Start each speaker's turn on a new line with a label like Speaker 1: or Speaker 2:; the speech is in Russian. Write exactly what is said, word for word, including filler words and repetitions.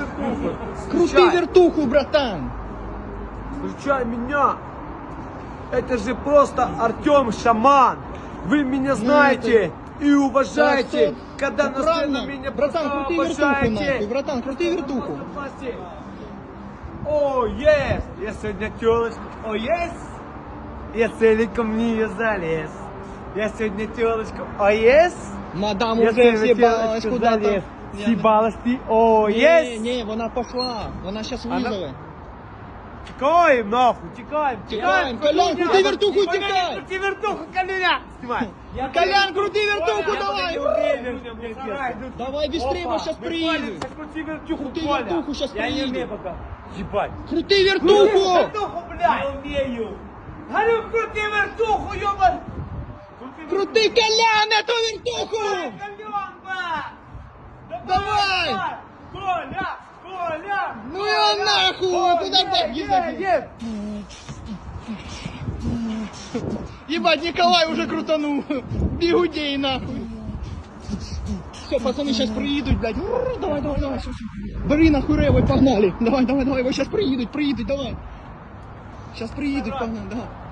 Speaker 1: вертуху.
Speaker 2: Крути
Speaker 1: Встречай.
Speaker 2: вертуху, братан!
Speaker 1: Встречай меня. Это же просто Артем Шаман. Вы меня знаете и уважаете,
Speaker 2: Так,
Speaker 1: когда
Speaker 2: так
Speaker 1: на
Speaker 2: правильно.
Speaker 1: сцену меня
Speaker 2: Братан,
Speaker 1: просто
Speaker 2: крути вертуху нахуй,
Speaker 1: обожаете.
Speaker 2: братан, крути вертуху.
Speaker 1: О, есть! Я сегодня телочку. О, есть! Я целиком в нее залез. Я сегодня телочку. О, есть!
Speaker 2: Мадам
Speaker 1: Я
Speaker 2: уже
Speaker 1: сегодня
Speaker 2: з'їбалась
Speaker 1: телочку
Speaker 2: куда-то.
Speaker 1: залез.
Speaker 2: Я-
Speaker 1: Съебалась ты. О,
Speaker 2: Ні,
Speaker 1: есть!
Speaker 2: ні, вона пошла. Вона зараз
Speaker 1: Вона-
Speaker 2: визове.
Speaker 1: Тікаємо, нахуй, тікаємо,
Speaker 2: Тікаємо, Колян, крути вертуху,
Speaker 1: Колян,
Speaker 2: тікай!
Speaker 1: крути вертуху, Колян! Снимай!
Speaker 2: Колян, крути вертуху, давай!
Speaker 1: Давай!
Speaker 2: Давай быстрее, бо сейчас приедут.
Speaker 1: Крути вертуху,
Speaker 2: Крути
Speaker 1: Коля!
Speaker 2: вертуху, сейчас
Speaker 1: Я не умею
Speaker 2: приедут.
Speaker 1: пока. Ебать!
Speaker 2: Крути вертуху!
Speaker 1: Вертуху, блядь! Не умею! Говорю, крути вертуху, ёбан!
Speaker 2: Крути, Колян, эту вертуху!
Speaker 1: Колян, ба!
Speaker 2: Давай!
Speaker 1: Коля! Коля!
Speaker 2: Ну его нахуй! Куда ты?
Speaker 1: Е, е!
Speaker 2: Ебать, Николай уже крутанул. Бегудей нахуй. Все, пацаны сейчас приедут, блядь. Ур, Давай, давай, давай. Всё, всё. Бери нахуй ревой, погнали. Давай, давай, давай. Вот сейчас приедут, приедут, давай. Сейчас приедут, погнали, давай.